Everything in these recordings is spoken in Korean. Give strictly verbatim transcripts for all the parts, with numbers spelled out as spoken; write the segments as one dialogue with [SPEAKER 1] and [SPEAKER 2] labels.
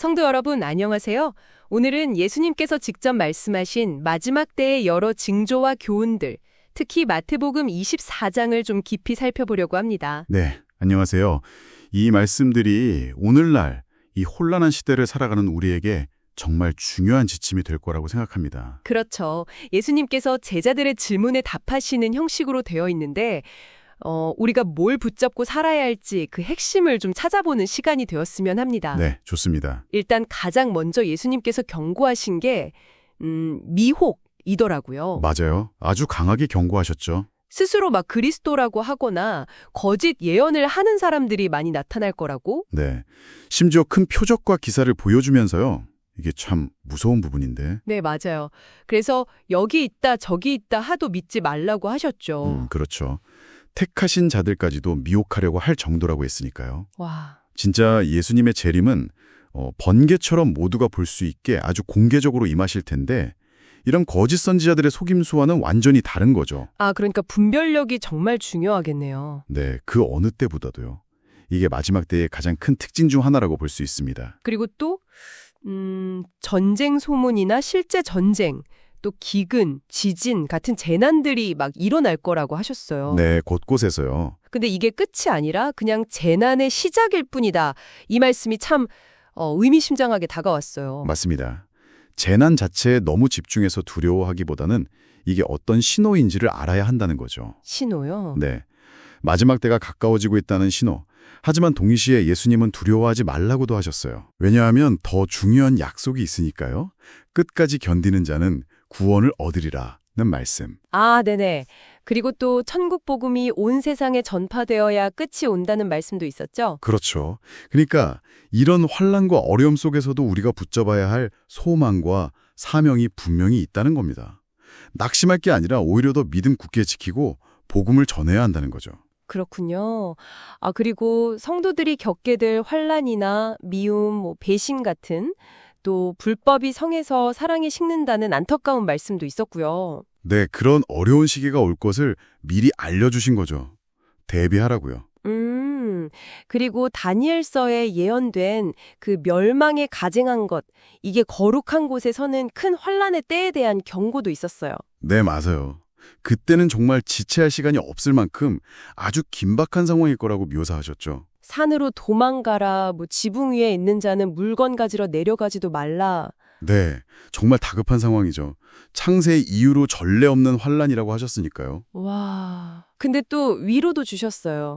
[SPEAKER 1] 성도 여러분, 안녕하세요. 오늘은 예수님께서 직접 말씀하신 마지막 때의 여러 징조와 교훈들, 특히 마태복음 이십사 장을 좀 깊이 살펴보려고 합니다.
[SPEAKER 2] 네, 안녕하세요. 이 말씀들이 오늘날 이 혼란한 시대를 살아가는 우리에게 정말 중요한 지침이 될 거라고 생각합니다.
[SPEAKER 1] 그렇죠. 예수님께서 제자들의 질문에 답하시는 형식으로 되어 있는데 어, 우리가 뭘 붙잡고 살아야 할지 그 핵심을 좀 찾아보는 시간이 되었으면 합니다.
[SPEAKER 2] 네, 좋습니다.
[SPEAKER 1] 일단 가장 먼저 예수님께서 경고하신 게 음, 미혹이더라고요.
[SPEAKER 2] 맞아요. 아주 강하게 경고하셨죠.
[SPEAKER 1] 스스로 막 그리스도라고 하거나 거짓 예언을 하는 사람들이 많이 나타날 거라고?
[SPEAKER 2] 네, 심지어 큰 표적과 기사를 보여주면서요. 이게 참 무서운 부분인데.
[SPEAKER 1] 네, 맞아요. 그래서 여기 있다 저기 있다 하도 믿지 말라고 하셨죠.
[SPEAKER 2] 음, 그렇죠. 택하신 자들까지도 미혹하려고 할 정도라고 했으니까요.
[SPEAKER 1] 와,
[SPEAKER 2] 진짜 예수님의 재림은 어, 번개처럼 모두가 볼 수 있게 아주 공개적으로 임하실 텐데 이런 거짓 선지자들의 속임수와는 완전히 다른 거죠.
[SPEAKER 1] 아, 그러니까 분별력이 정말 중요하겠네요.
[SPEAKER 2] 네, 그 어느 때보다도요. 이게 마지막 때의 가장 큰 특징 중 하나라고 볼 수 있습니다.
[SPEAKER 1] 그리고 또 음, 전쟁 소문이나 실제 전쟁, 또 기근, 지진 같은 재난들이 막 일어날 거라고 하셨어요.
[SPEAKER 2] 네, 곳곳에서요.
[SPEAKER 1] 근데 이게 끝이 아니라 그냥 재난의 시작일 뿐이다. 이 말씀이 참 어, 의미심장하게 다가왔어요.
[SPEAKER 2] 맞습니다. 재난 자체에 너무 집중해서 두려워하기보다는 이게 어떤 신호인지를 알아야 한다는 거죠.
[SPEAKER 1] 신호요?
[SPEAKER 2] 네, 마지막 때가 가까워지고 있다는 신호. 하지만 동시에 예수님은 두려워하지 말라고도 하셨어요. 왜냐하면 더 중요한 약속이 있으니까요. 끝까지 견디는 자는 구원을 얻으리라는 말씀.
[SPEAKER 1] 아, 네네. 그리고 또 천국 복음이 온 세상에 전파되어야 끝이 온다는 말씀도 있었죠?
[SPEAKER 2] 그렇죠. 그러니까 이런 환난과 어려움 속에서도 우리가 붙잡아야 할 소망과 사명이 분명히 있다는 겁니다. 낙심할 게 아니라 오히려 더 믿음 굳게 지키고 복음을 전해야 한다는 거죠.
[SPEAKER 1] 그렇군요. 아, 그리고 성도들이 겪게 될 환난이나 미움, 뭐 배신 같은 또 불법이 성에서 사랑이 식는다는 안타까운 말씀도 있었고요.
[SPEAKER 2] 네, 그런 어려운 시기가 올 것을 미리 알려주신 거죠. 대비하라고요.
[SPEAKER 1] 음, 그리고 다니엘서에 예언된 그 멸망에 가증한 것, 이게 거룩한 곳에 서는 큰 환난의 때에 대한 경고도 있었어요.
[SPEAKER 2] 네, 맞아요. 그때는 정말 지체할 시간이 없을 만큼 아주 긴박한 상황일 거라고 묘사하셨죠.
[SPEAKER 1] 산으로 도망가라, 뭐 지붕 위에 있는 자는 물건 가지러 내려가지도 말라.
[SPEAKER 2] 네, 정말 다급한 상황이죠. 창세 이후로 전례 없는 환란이라고 하셨으니까요.
[SPEAKER 1] 와, 근데 또 위로도 주셨어요.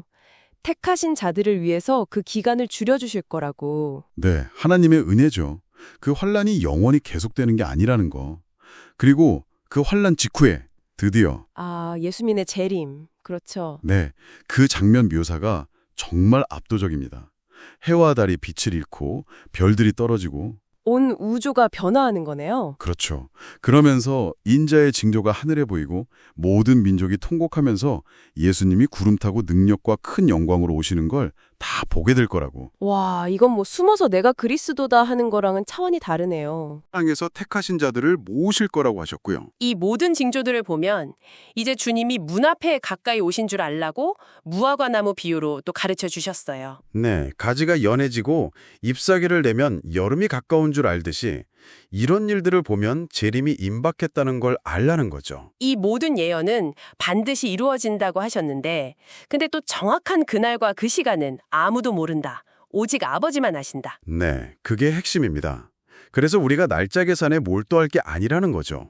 [SPEAKER 1] 택하신 자들을 위해서 그 기간을 줄여주실 거라고.
[SPEAKER 2] 네, 하나님의 은혜죠. 그 환란이 영원히 계속되는 게 아니라는 거. 그리고 그 환란 직후에 드디어
[SPEAKER 1] 아, 예수님의 재림. 그렇죠.
[SPEAKER 2] 네, 그 장면 묘사가 정말 압도적입니다. 해와 달이 빛을 잃고 별들이 떨어지고
[SPEAKER 1] 온 우주가 변화하는 거네요.
[SPEAKER 2] 그렇죠. 그러면서 인자의 징조가 하늘에 보이고 모든 민족이 통곡하면서 예수님이 구름 타고 능력과 큰 영광으로 오시는 걸 다 보게 될 거라고.
[SPEAKER 1] 와, 이건 뭐 숨어서 내가 그리스도다 하는 거랑은 차원이 다르네요.
[SPEAKER 2] 땅에서 택하신 자들을 모으실 거라고 하셨고요.
[SPEAKER 3] 이 모든 징조들을 보면 이제 주님이 문 앞에 가까이 오신 줄 알라고 무화과 나무 비유로 또 가르쳐 주셨어요.
[SPEAKER 4] 네, 가지가 연해지고 잎사귀를 내면 여름이 가까운 줄 알듯이 이런 일들을 보면 재림이 임박했다는 걸 알라는 거죠.
[SPEAKER 3] 이 모든 예언은 반드시 이루어진다고 하셨는데 근데 또 정확한 그날과 그 시간은 아무도 모른다. 오직 아버지만 아신다.
[SPEAKER 4] 네, 그게 핵심입니다. 그래서 우리가 날짜 계산에 몰두할 게 아니라는 거죠.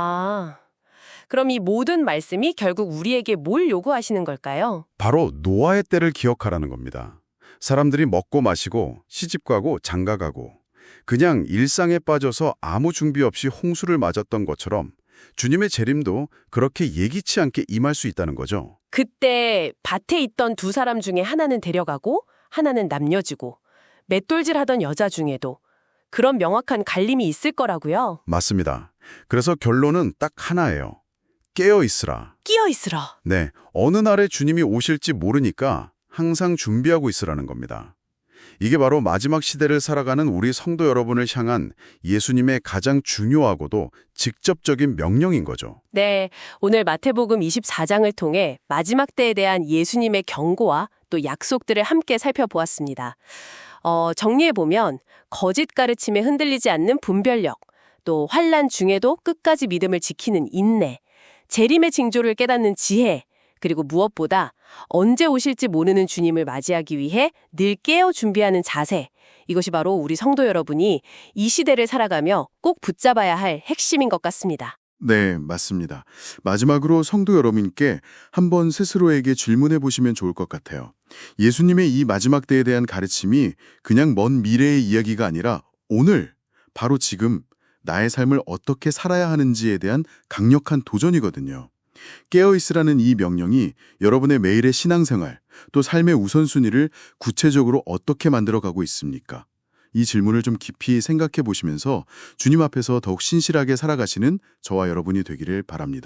[SPEAKER 3] 아, 그럼 이 모든 말씀이 결국 우리에게 뭘 요구하시는 걸까요?
[SPEAKER 4] 바로 노아의 때를 기억하라는 겁니다. 사람들이 먹고 마시고 시집가고 장가가고 그냥 일상에 빠져서 아무 준비 없이 홍수를 맞았던 것처럼 주님의 재림도 그렇게 예기치 않게 임할 수 있다는 거죠.
[SPEAKER 3] 그때 밭에 있던 두 사람 중에 하나는 데려가고 하나는 남겨지고 맷돌질하던 여자 중에도 그런 명확한 갈림이 있을 거라고요.
[SPEAKER 4] 맞습니다. 그래서 결론은 딱 하나예요. 깨어 있으라.
[SPEAKER 3] 끼어 있으라.
[SPEAKER 4] 네, 어느 날에 주님이 오실지 모르니까 항상 준비하고 있으라는 겁니다. 이게 바로 마지막 시대를 살아가는 우리 성도 여러분을 향한 예수님의 가장 중요하고도 직접적인 명령인 거죠.
[SPEAKER 3] 네, 오늘 마태복음 이십사 장을 통해 마지막 때에 대한 예수님의 경고와 또 약속들을 함께 살펴보았습니다. 어, 정리해보면 거짓 가르침에 흔들리지 않는 분별력, 또 환난 중에도 끝까지 믿음을 지키는 인내, 재림의 징조를 깨닫는 지혜, 그리고 무엇보다 언제 오실지 모르는 주님을 맞이하기 위해 늘 깨어 준비하는 자세, 이것이 바로 우리 성도 여러분이 이 시대를 살아가며 꼭 붙잡아야 할 핵심인 것 같습니다.
[SPEAKER 4] 네, 맞습니다. 마지막으로 성도 여러분께 한번 스스로에게 질문해 보시면 좋을 것 같아요. 예수님의 이 마지막 때에 대한 가르침이 그냥 먼 미래의 이야기가 아니라 오늘, 바로 지금 나의 삶을 어떻게 살아야 하는지에 대한 강력한 도전이거든요. 깨어있으라는 이 명령이 여러분의 매일의 신앙생활, 또 삶의 우선순위를 구체적으로 어떻게 만들어가고 있습니까? 이 질문을 좀 깊이 생각해 보시면서 주님 앞에서 더욱 신실하게 살아가시는 저와 여러분이 되기를 바랍니다.